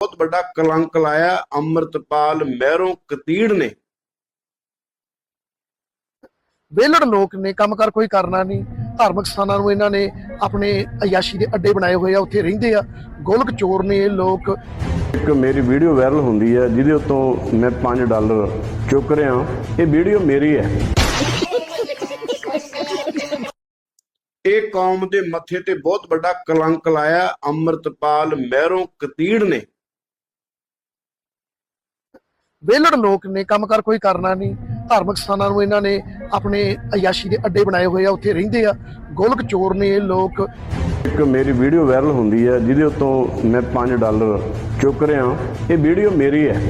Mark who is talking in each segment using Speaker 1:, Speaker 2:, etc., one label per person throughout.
Speaker 1: बहुत बड़ा कलंक लाया अमृतपाल महरों कतीड़ ने।
Speaker 2: ਵਿਹਲੜ ਲੋਕ ਨੇ, ਕੰਮ ਕਰ ਕੋਈ ਕਰਨਾ ਨਹੀਂ। ਧਾਰਮਿਕ ਸਥਾਨਾਂ ਨੂੰ ਇਹਨਾਂ ਨੇ ਆਪਣੇ ਅਯਾਸ਼ੀ ਦੇ ਅੱਡੇ ਬਣਾਏ ਹੋਏ ਆ, ਉੱਥੇ ਰਹਿੰਦੇ ਆ। ਗੋਲਕ ਚੋਰ ਨੇ ਇਹ ਲੋਕ।
Speaker 1: ਇੱਕ ਮੇਰੀ ਵੀਡੀਓ ਵਾਇਰਲ ਹੁੰਦੀ ਹੈ ਜਿਹਦੇ ਉੱਤੋਂ ਮੈਂ $5 ਚੁੱਕ ਰਿਹਾ। ਇਹ ਵੀਡੀਓ ਮੇਰੀ ਹੈ। ਇਹ ਕੌਮ ਦੇ ਮੱਥੇ ਤੇ ਬਹੁਤ ਵੱਡਾ ਕਲੰਕ ਲਾਇਆ ਅਮਰਤਪਾਲ ਮਹਿਰੋਂ ਕਤੀੜ ਨੇ।
Speaker 2: ਵਿਹਲੜ ਲੋਕ ਨੇ, ਕੰਮ ਕਰ ਕੋਈ ਕਰਨਾ ਨਹੀਂ। ਧਾਰਮਿਕ ਸਥਾਨਾਂ ਨੂੰ ਇਹਨਾਂ ਨੇ ਆਪਣੇ ਅਯਾਸ਼ੀ ਦੇ ਅੱਡੇ ਬਣਾਏ ਹੋਏ ਆ, ਉੱਥੇ ਰਹਿੰਦੇ ਆ। ਗੋਲਕ ਚੋਰ ਨੇ ਇਹ ਲੋਕ।
Speaker 1: ਇੱਕ ਮੇਰੀ ਵੀਡੀਓ ਵਾਇਰਲ ਹੁੰਦੀ ਹੈ ਜਿਹਦੇ ਉੱਤੋਂ ਮੈਂ $5 ਚੁੱਕ ਰਿਹਾ। ਇਹ ਵੀਡੀਓ ਮੇਰੀ ਹੈ।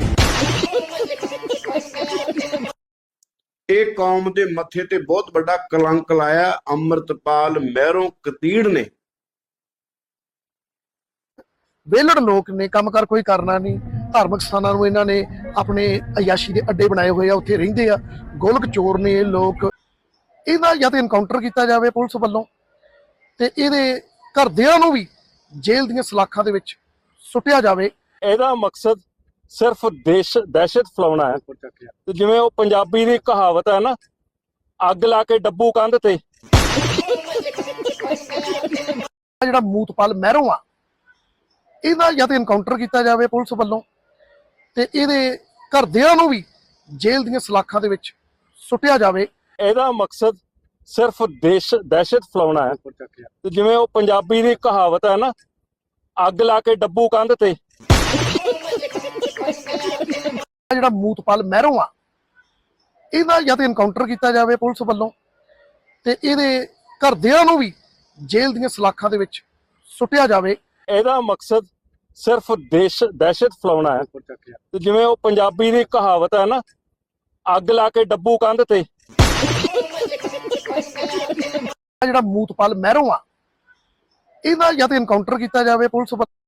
Speaker 1: ਇਹ ਕੌਮ ਦੇ ਮੱਥੇ ਤੇ ਬਹੁਤ ਵੱਡਾ ਕਲੰਕ ਲਾਇਆ ਅਮਰਤਪਾਲ ਮਹਿਰੋਂ ਕਤੀੜ ਨੇ।
Speaker 2: ਵਿਹਲੜ ਲੋਕ ਨੇ, ਕੰਮ ਕਰ ਕੋਈ ਕਰਨਾ ਨਹੀਂ। ਧਾਰਮਿਕ ਸਥਾਨਾਂ ਨੂੰ ਇਹਨਾਂ ਨੇ ਆਪਣੇ ਅਯਾਸ਼ੀ ਦੇ ਅੱਡੇ ਬਣਾਏ ਹੋਏ ਆ, ਉੱਥੇ ਰਹਿੰਦੇ ਆ। ਗੋਲਕ ਚੋਰ ਨੇ ਇਹ ਲੋਕ। ਇਹਦਾ ਜਾਂ ਤਾਂ ਇਨਕਾਊਂਟਰ ਕੀਤਾ ਜਾਵੇ ਪੁਲਿਸ ਵੱਲੋਂ, ਤੇ ਇਹਦੇ ਘਰਦਿਆਂ ਨੂੰ ਵੀ ਜੇਲ੍ਹ ਦੀਆਂ ਸਲਾਖਾਂ ਦੇ ਵਿੱਚ ਸੁੱਟਿਆ ਜਾਵੇ।
Speaker 3: ਇਹਦਾ ਮਕਸਦ ਸਿਰਫ ਦਹਿਸ਼ਤ ਫੈਲਾਉਣਾ ਹੈ। ਤੇ ਜਿਵੇਂ ਉਹ ਪੰਜਾਬੀ ਦੀ ਕਹਾਵਤ ਹੈ ਨਾ, ਅੱਗ ਲਾ ਕੇ ਡੱਬੂ ਕੰਧ ਤੇ।
Speaker 2: ਜਿਹੜਾ ਮੂਤਪਾਲ ਮਹਿਰੋਂ ਆ, ਇਹਦਾ ਜਾਂ ਤਾਂ ਇਨਕਾਊਂਟਰ ਕੀਤਾ ਜਾਵੇ ਪੁਲਿਸ ਵੱਲੋਂ, ਤੇ ਇਹਦੇ ਘਰਦਿਆਂ ਨੂੰ ਵੀ ਜੇਲ੍ਹ ਦੀਆਂ ਸਲਾਖਾਂ ਦੇ ਵਿੱਚ ਸੁੱਟਿਆ ਜਾਵੇ।
Speaker 3: ਇਹਦਾ ਮਕਸਦ ਸਿਰਫ ਦਹਿਸ਼ਤ ਫੈਲਾਉਣਾ ਹੈ। ਤੇ ਜਿਵੇਂ ਉਹ ਪੰਜਾਬੀ ਦੀ ਕਹਾਵਤ ਹੈ ਨਾ, ਅੱਗ ਲਾ ਕੇ ਡੱਬੂ ਕੰਧ ਤੇ।
Speaker 2: ਜਿਹੜਾ ਮੂਤਪਾਲ ਮਹਿਰੋਂ ਆ, ਇਹਦਾ ਜਾਂ ਤਾਂ ਇਨਕਾਊਂਟਰ ਕੀਤਾ ਜਾਵੇ ਪੁਲਿਸ ਵੱਲੋਂ, ਤੇ ਇਹਦੇ ਘਰਦਿਆਂ ਨੂੰ ਵੀ ਜੇਲ੍ਹ ਦੀਆਂ ਸਲਾਖਾਂ ਦੇ ਵਿੱਚ ਸੁੱਟਿਆ ਜਾਵੇ।
Speaker 3: ਇਹਦਾ ਮਕਸਦ ਸਿਰਫ ਦਹਿਸ਼ਤ ਫੈਲਾਉਣਾ ਹੈ। ਤੇ ਜਿਵੇਂ ਉਹ ਪੰਜਾਬੀ ਦੀ ਕਹਾਵਤ ਹੈ ਨਾ, ਅੱਗ ਲਾ ਕੇ ਡੱਬੂ ਕੰਧ ਤੇ।
Speaker 2: ਜਿਹੜਾ ਮੂਤਪਾਲ ਮਹਿਰੋਂ ਆ, ਇਹਦਾ ਜਾਂ ਤਾਂ ਇਨਕਾਊਂਟਰ ਕੀਤਾ ਜਾਵੇ ਪੁਲਿਸ ਵੱਲੋਂ।